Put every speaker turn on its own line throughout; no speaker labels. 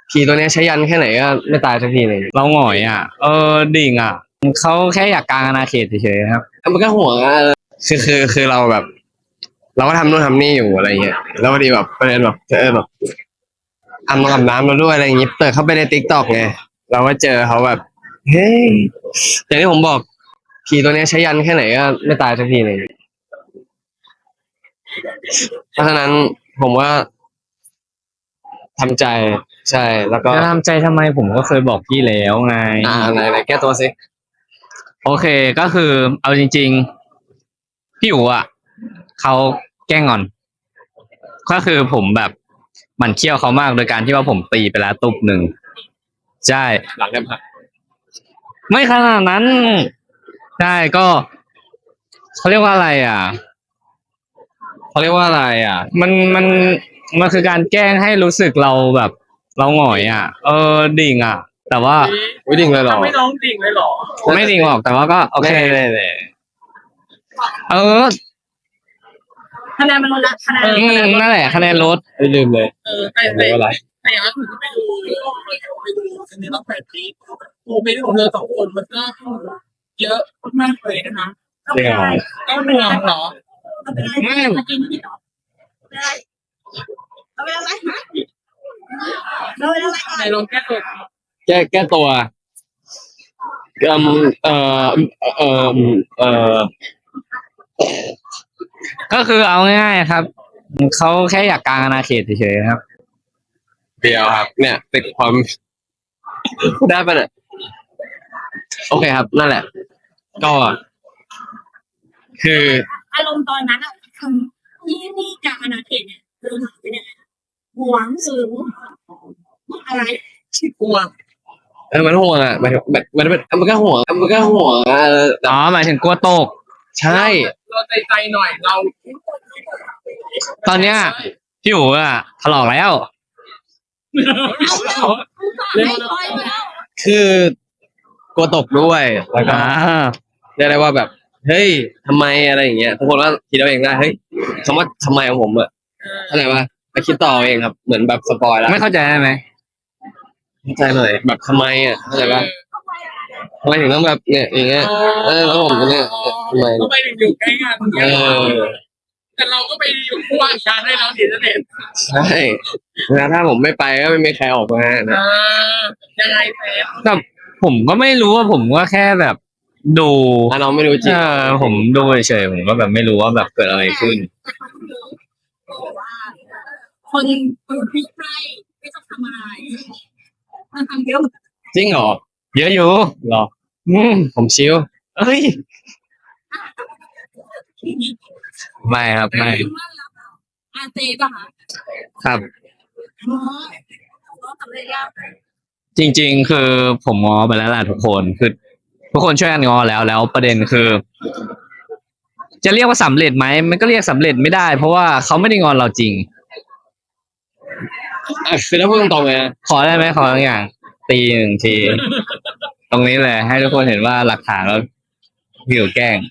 ผีตัวเนี้ยใช้ยันแค่ไหนก็ไม่ตายสักทีเลย
เราหงอยอ่ะดิ่งอ่ะเขาแค่อยากกางอาณาเขตเฉยๆครับ
มันก็ห่วงอ่ะคือเราแบบ เราก็ทำนู่นทำนี่อยู่อะไรเงี้ยแล้วพอดีแบบประเด็นแบบแบบอาบน้ำเราด้วยอะไรอย่างงี้เปิดเข้าไปในติ๊กต็อกไงเราก็เจอเขาแบบเฮ้ยอย่างที่ผมบอกผีตัวเนี้ยใช้ยันแค่ไหนก็ไม่ตายสักทีเลยเพราะฉะนั้นผมว่าทำใจใช่แล้วก็
จะทำใจทำไมผมก็เคยบอกพี่แล้วไง
ไหนแก้ตัวสิ
โอเคก็คือเอาจริงๆพี่อู๋อ่ะเขาแกล้งงอนก็คือผมแบบหมั่นเคี้ยวเขามากโดยการที่ว่าผมตีไปแล้วตุบหนึ่งใช่
หลังกันพัก
ไม่ขนาดนั้นใช่ก็เขาเรียกว่าอะไรอ่ะมันคือการแกล้งให้รู้สึกเราแบบเราหงอยอ่ะดิ่งอ่ะแต่ว่า
ไม่ดิ่งเลยหรอ
ไม่น้องดิ่งเลยหรอ
ไม่ดิ่งหรอกแต่ว่าก็โอเค
เลย
คะแนนมันลดละคะแนน
นั่นแหละคะแนนลด
ไม่ลืมเลย
แต่อย่างนั้นถึงไปดูคะแนนต้อง8 ปีโมเมนต์ของเธอ2 คนมันก็เยอะมากเลยนะคะ
จริงเหรอ
ก็เหนื่อยเหรอในลองแก้ตัว
แก้ตัว
ก็คือเอาง่ายๆครับเขาแค่อยากกางอาณาเขตเฉยๆครับ
เดียวครับเนี่ยติดความได้ป่ะเนี่ยโอเคครับนั่นแหละก็คือ
อารมณ์ตอนนั้นอ่ะคือนี่การอนาเขตเนี่ยเราถามไปเนี่ยหวงสูงอะไรกลัว
มันห่วงอ่ะมันก็ห่วง
หมายถึงกลัวตก
ใช่
เราใจหน่อยเรา
ตอนเนี้ยพี่อู๋อ่ะถลอกแล้ว
คือกลัวตกด้วยแล้วก็เรียกได้ว่าแบบเฮ้ยทำไมอะไรอย่างเงี้ยทุกคนว่าคิดเอาเองได้เฮ้ยคำว่าทำไมของผมอะเข้าใจป่ะไปคิดต่อเองครับเหมือนแบบสปอยแล้ว
ไม่เข้าใจได้ไหม
เข้าใจหน่อยแบบทำไมอ่ะเข้าใจป่ะทำไมถึงต้องแบบเนี่ยอย่างเงี้ยแล้วผมเนี่ยทำไม
ก็ไปอยู่ใกล้งานแต่เราก็ไปอยู่คู่อาชาให้เราเห็นเด็ด
ใช่แล้วถ้าผมไม่ไปก็ไม่มีใครออกมานะ
ยังไงแฟน
แต่ผมก็ไม่รู้ว่าผมก็แค่แบบดู
น้องไม่รู้จริง
ผมดูเฉยผมก็แบบไม่รู้ว่าแบบเกิดอะไรขึ้น
คนที่ใกล้ไม่ต้องทำอะไรมันทำเยอะ
จริงเหรอ
เยอะอยู่
หรอผมชิล
เอ้ยไม่ครับไม่
อาเจป่ะ
ครับจริงๆคือผมง้อไปแล้วแหละทุกคนคือทุกคนช่วยกันง้อแล้วประเด็นคือจะเรียกว่าสำเร็จไหมมันก็เรียกสำเร็จไม่ได้เพราะว่าเขาไม่ได้งอนเราจริง
คือถ้าพูดตรงๆเลย
ขอได้ไหมขอทุกอย่างตี1 ทีตรงนี้เลยให้ทุกคนเห็นว่าหลักฐานแล้วพี่อยู่แกล้ง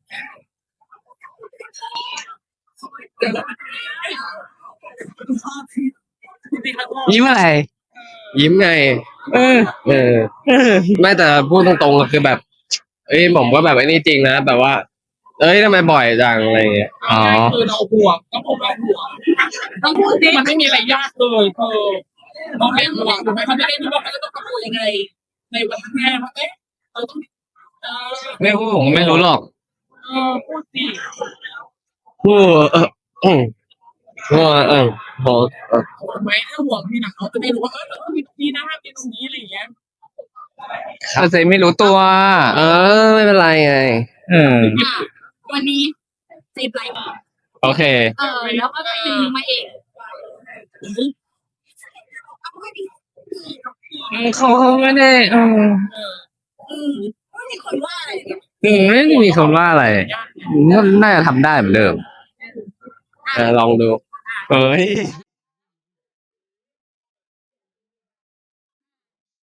ยิ้มอะไร
ยิ้มไงไม่แต่พูดตรงๆคือแบบผมก็แบบไอ้นี่จริงนะแบบว่าทำไมบ่อยจังอะไรเงี้ย
คือเราห่วงก็ผมเราห่วงต้องพูดดิมันไม่มีอะไรยากเลยเราไม่ห่วงถูกไหมเขาไม่ได้รู้ว่าเขาจะต้องทำยังไงในวันแรกว่าเราต้อง
ไม่พูดผมไม่รู้หรอก
พูดสิ
พูด
ไหมถ้าห่วงพี่นะเขาจะไม่รู้ว่าเราต้องมีตรงนี้นะมีตรงนี้อะไรอย่างเงี้ย
เขาจะไม่รู้ตัว
ไม่เป็นไรไง
วันนี้10 ไลค์
โอเค
แล้วก็ได้มาเอง
เขาไม่ได้
ไม่มีคนว่าอะไร
ไม่ได้มีคนว่าอะไรน่าจะทำได้เหมือนเดิม
ลองดู
เฮ้ย